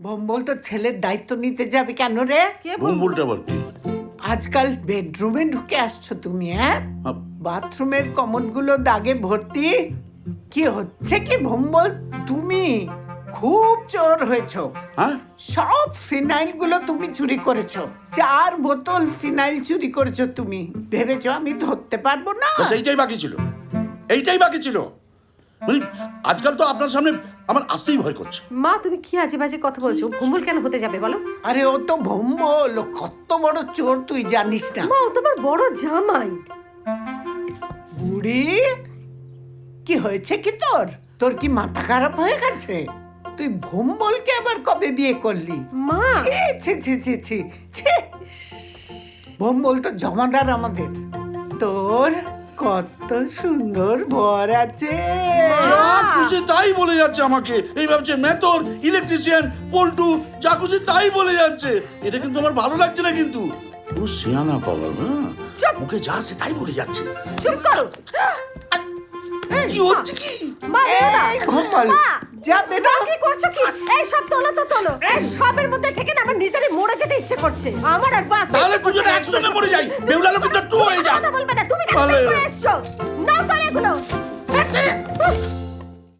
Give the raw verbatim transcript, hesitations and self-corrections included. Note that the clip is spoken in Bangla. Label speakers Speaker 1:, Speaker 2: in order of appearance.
Speaker 1: ভম্বল তো ছেলের দায়িত্ব নিতে যাবে কেন রে?
Speaker 2: ভম্বলটা আবার কি?
Speaker 1: আজকাল বেডরুমে ঢুকে আসছো তুমি, হ্যাঁ? বাথরুমের কমোডগুলো দাগে ভর্তি। কি হচ্ছে কি ভম্বল, তুমি খুব চোর হয়েছো।
Speaker 2: হ্যাঁ,
Speaker 1: সব ফিনাইল গুলো তুমি চুরি করেছো। চার বোতল ফিনাইল চুরি করেছো তুমি। ভেবেছো আমি ধরতে পারবো না?
Speaker 2: ব্যাস এইটাই বাকি ছিল, এইটাই বাকি ছিল। মানে আজকাল তো আপনার সামনে আমার আসতেই ভয় করছে।
Speaker 3: মা তুমি কি আজে বাজে কথা বলছো? ভম্বল কেন হতে যাবে বলো?
Speaker 1: আরে ও তো ভম্বল, ও কত বড় চোর তুই জানিস না।
Speaker 3: মা ও তোমার বড় জামাই।
Speaker 1: বুড়ি, কি হয়েছে কি তোর? তোর কি মাথা খারাপ হয়ে গেছে? তুই ভম্বলকে আবার কবে বিয়ে করলি?
Speaker 3: মা
Speaker 1: ছি ছি ছি ছি ছি ছি। ভম্বল তো জমাদার আমাদের। তোর কত সুন্দর বর আছে।
Speaker 2: যা খুশি তাই বলে যাচ্ছে আমাকে। এই ভাবছে মেথর, ইলেকট্রিশিয়ান, পল্টু, যা খুশি তাই বলে যাচ্ছে। এটা কিন্তু আমার ভালো লাগছে না। কিন্তু ও সিয়ানা পাগল, হ্যাঁ, মুখে যা আসছে তাই বলে যাচ্ছে।
Speaker 3: চুপ করো।
Speaker 2: কি হচ্ছে কি?
Speaker 3: মা
Speaker 1: এই ভম্বল, যাবে না?
Speaker 3: কি করছো কি? এই সব তোলো তো তোলো। এই সবের মধ্যে থেকে না আমার নিজেরই মরে যেতে ইচ্ছে করছে। আমার আর বাস
Speaker 2: তাহলে দুজনে একসঙ্গে মরে যাই। বেহুলা লোকে তো টু হয়ে যা।
Speaker 3: কথা বলবে না, তুমি কেন বের করে এসছো?